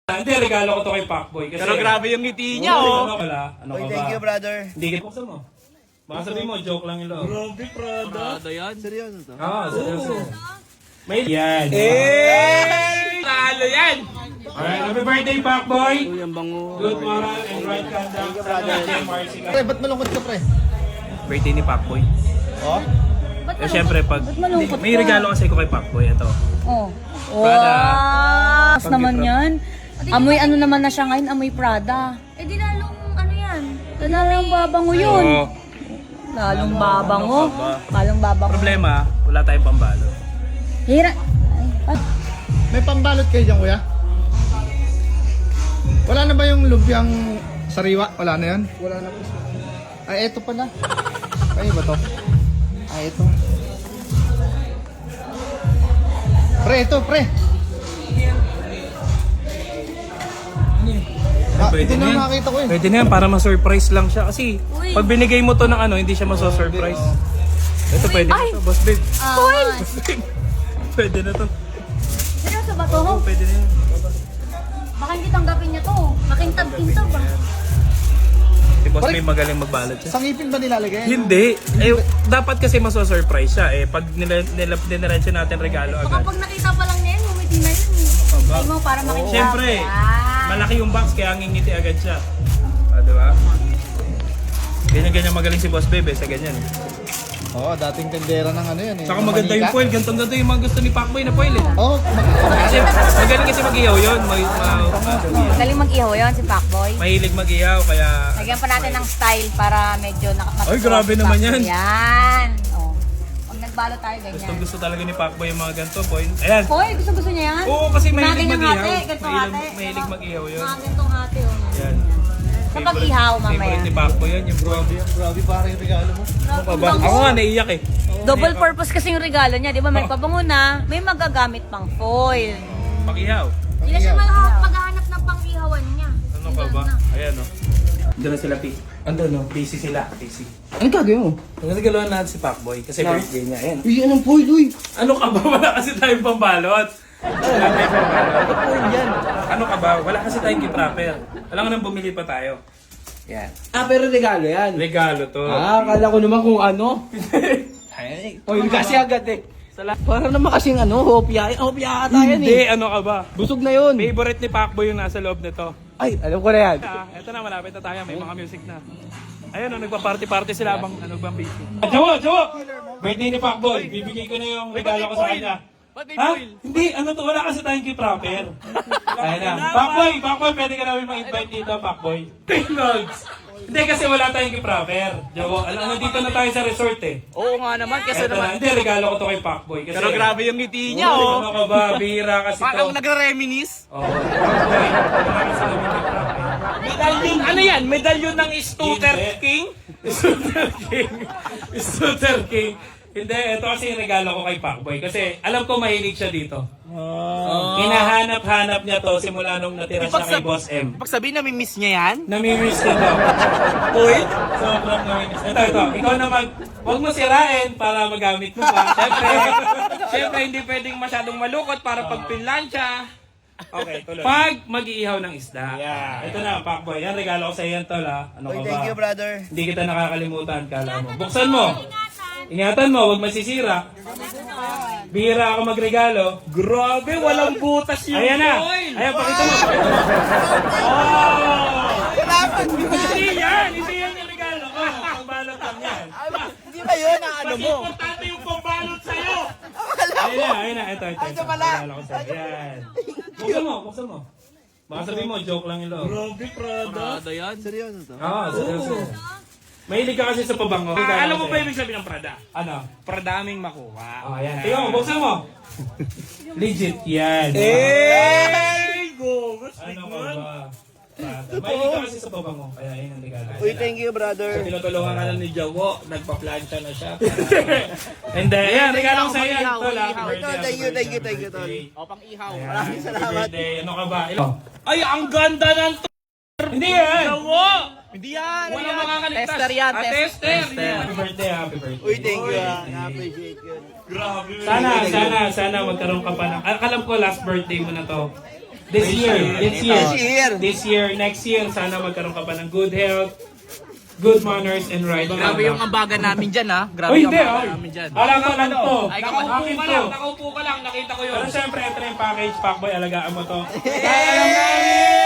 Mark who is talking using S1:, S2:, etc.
S1: Hindi, regalo ko to kay Pacboy. Kasi,
S2: Pero grabe yung ngiti niya, oh.
S1: Ano ka ba?
S3: Thank you, brother.
S1: Hindi kita. Buksan mo. Baka sabihin mo, joke lang yun.
S2: Grabe, Prada yan.
S3: Seryoso to?
S1: Oo, seryoso. May yan.
S2: Talo yan!
S1: Alright, happy birthday, Pacboy!
S3: Uy, ang bango.
S1: Good moral and right conduct. Sana JMRC ka.
S3: Pre, ba't malungkot ka, pre?
S1: Birthday ni Pacboy.
S3: Oh?
S1: Eh, syempre, pag may regalo kasi ko kay Pacboy, ito.
S4: Oh.
S1: Prada.
S4: Wow! Tapos naman yan. Amoy ano naman na siya ngayon, amoy Prada.
S5: Eh di lalong ano yan?
S4: Lalong babango yun.
S1: Oo.
S4: Lalong babango. Lalong babango.
S1: Problema, wala tayong pambalo.
S4: Hira. Ay,
S3: May pambalot kayo dyan, kuya? Wala na ba yung lumpiang sariwa? Wala na yan? Wala na po. Ay, eto pala. Ay, ba to? Ay, eto. Pre, ito, pre.
S1: Pwede
S3: ito
S1: na
S3: na
S1: yan.
S3: nakakita ko eh.
S1: Pwede na yan, para ma-surprise lang siya. Kasi, pag binigay mo to ng ano, hindi siya maso-surprise. Ito, pwede na to, boss babe.
S4: Foil!
S1: Pwede na to.
S4: Seryoso ba to?
S1: Pwede na yan.
S4: Baka hindi tanggapin niya to. Makintab-kintab ba?
S1: Si boss babe magaling magbalot siya.
S3: Sa ngipin ba nilalagay?
S1: Hindi. Eh, dapat kasi maso-surprise siya. Eh, pag nilarencho natin regalo
S4: Baka
S1: agad.
S4: pag nakita pa lang niya yun, ngumiti na yun. Ay mo, para makintab.
S1: Siyempre,
S4: Yan.
S1: malaki yung box kaya ngingiti agad siya. Ah, di ba? Ganyan-ganyan magaling si boss babe sa ganyan.
S3: Oo, dating tendera ng ano yan eh.
S1: Saka maganda yung foil. Gantong-ganto yung mga gusto ni Pacboy na foil eh.
S3: Oo,
S1: Kasi magaling kasi mag-ihaw yun.
S4: Magaling mag-ihaw yun si Pacboy.
S1: Mahilig mag-ihaw kaya...
S4: Lagyan pa natin ng style para medyo
S1: Ay, grabe
S4: si
S1: naman
S4: Pacboy.
S1: yan.
S4: Yan. Oh. Pag nagbalo tayo, ganyan.
S1: Gusto talaga ni Pacboy yung mga ganito foil. Ayan.
S4: Hoy, gusto niya yan?
S1: Oo, kasi
S4: Mga
S1: mahilig
S4: ganyang
S1: mag-ihaw.
S4: hati, ganitong hati.
S1: Mahilig mag-ihaw yun.
S4: Mga ganitong hati, oh.
S1: Yan.
S4: Sa pag-ihaw mamaya.
S1: Favorite ni Pacboy yan, yung grabe.
S3: grabe parang yung regalo mo.
S1: Ano ka ba? Ako nga, naiiyak eh.
S4: Double purpose kasi yung regalo niya, di ba? May pabango na, may magagamit pang foil.
S1: Pag-ihaw.
S5: Hindi na siya maghahanap ng pang-ihawan niya.
S1: Ano ka ba? Ayan o. Doon na sila, Andun no? Busy sila. Busy.
S3: Ano gagawin mo?
S1: Nagagaluhan natin si Pacboy kasi birthday niya. Ayan.
S3: Uy, anong foil, uy?
S1: Ano ka ba? Wala kasi tayong pambalot. Wala tayong pambalot.
S3: Foil yan.
S1: Ano ka ba? Wala kasi tayong gift-wrapper. Alam nga nang bumili pa tayo. Yan.
S2: Ah, pero regalo yan.
S1: Regalo to.
S2: Ah, akala ko naman kung ano. Foil kasi agad eh. Para naman kasing ano, hopya. Hopya ata yan
S1: Hindi,
S2: eh.
S1: ano ka ba?
S2: Busog na yun.
S1: Favorite ni Pacboy yung nasa loob nito.
S2: Ay, alam ko na yan.
S1: Ito na, malapit na tayo. May mga music na. Ayun, nagpa-party-party sila abang ano bang busy. Jowo! Birthday ni Pacboy. Bibigay ko na yung regalo ko sa kanya. Ha? Hindi, ano to? Wala kasi tayong gift wrapper. Ayun na. Pacboy, pwede ka namin mag-invite dito, Pacboy. Tingnogs! Hindi kasi wala tayong gift wrapper. Jowo, nandito na tayo sa resort eh.
S2: Oo nga naman, kasi
S1: Eto
S2: naman.
S1: na, hindi, regalo ko to kay Pacboy. Kasi,
S2: Pero grabe yung ngiti niya,
S1: Ano
S2: oh.
S1: ka ba? Bihira kasi to.
S2: Parang nagre-reminis.
S1: Oo. Pacboy, wala kasi namin gift wrapper.
S2: Medalyon, ano yan? Medalyon ng Stutter
S1: Hindi.
S2: King?
S1: Stutter King. Stutter King. Hindi, ito kasi yung regalo ko kay Pacboy. Kasi alam ko mahilig siya dito. Hinahanap-hanap niya to simula nung natira siya kay Boss M.
S2: Pag sabihin na miss niya yan?
S1: Namimiss niya to.
S2: Uy?
S1: Sobrang namimiss. Ito. Ikaw naman, huwag mo sirain para magamit mo pa.
S2: Siyempre, hindi pwedeng masyadong malukot para pag pinlansya.
S1: Okay, tuloy. Pag mag-iihaw ng isda. Ito na, Pacboy. Yan, regalo ko sa iyo tol ha. Ano ka ba?
S3: Thank you, brother.
S1: Hindi kita nakakalimutan, kala mo. Buksan mo. Ingatan mo, huwag masisira. Bihira ako magregalo.
S2: Grabe, walang butas yung
S1: Ayan na.
S2: foil.
S1: Ayan, pakita mo. Hindi yan yung regalo ko. Pambalot lang yan.
S3: Hindi ba yun ang ano
S1: Mas
S3: mo?
S1: importante yung pambalot sa'yo. Ayun na. Ito. Regalo ko sa'yo. Ayan. Buksan mo. Baka sabihin mo, joke lang yung loob.
S2: Grabe, Prada yan.
S3: Seryoso to?
S1: Oo, seryoso. Mahilig ka kasi sa pabango.
S2: Alam mo ba ibig sabihin ng Prada?
S1: Ano?
S2: Pradaming makuha.
S1: Oh, ayan. Tingnan mo, buksan mo. Legit yan.
S2: Hey! Go!
S1: Ano ka ba? Mahilig ka kasi sa pabango. Kaya yun ang regalo.
S3: Uy, thank you, brother.
S2: Tinutulungan ka na ni Jawo, nagpa-plancha na siya.
S1: And then, ayan, regalo ko sa iyo.
S2: Ihaw,
S1: Tol, happy
S2: ihaw.
S1: birthday,
S3: Ito, thank you,
S1: happy
S3: tol.
S1: birthday.
S2: O, pang-ihaw.
S1: Ayan,
S3: Maraming
S1: happy
S3: salamat.
S1: birthday. Ano ka ba? Ilo.
S2: Ay, ang ganda ng
S1: Hindi yan!
S2: Jawo! Hindi yan!
S1: Walang makakaligtas.
S2: Tester yan,
S1: Tester.
S2: tester.
S1: Happy birthday, happy birthday.
S3: Uy, thank you. Na-appreciate yun.
S1: Sana magkaroon ka pa ng... Alam ko last birthday mo na to. This year.
S2: This year.
S1: Next year, sana magkaroon ka pa ng good health, good manners, and right.
S2: Grabe yung ambagan namin dyan, ha? Grabe
S1: Uy,
S2: yung
S1: hindi,
S2: ambagan
S1: oh.
S2: namin dyan.
S1: Alam ko lang to.
S2: Nakaupo ka lang, nakita ko yun.
S1: Pero syempre, ito na yung package, Pacboy, alagaan mo to. Alam namin!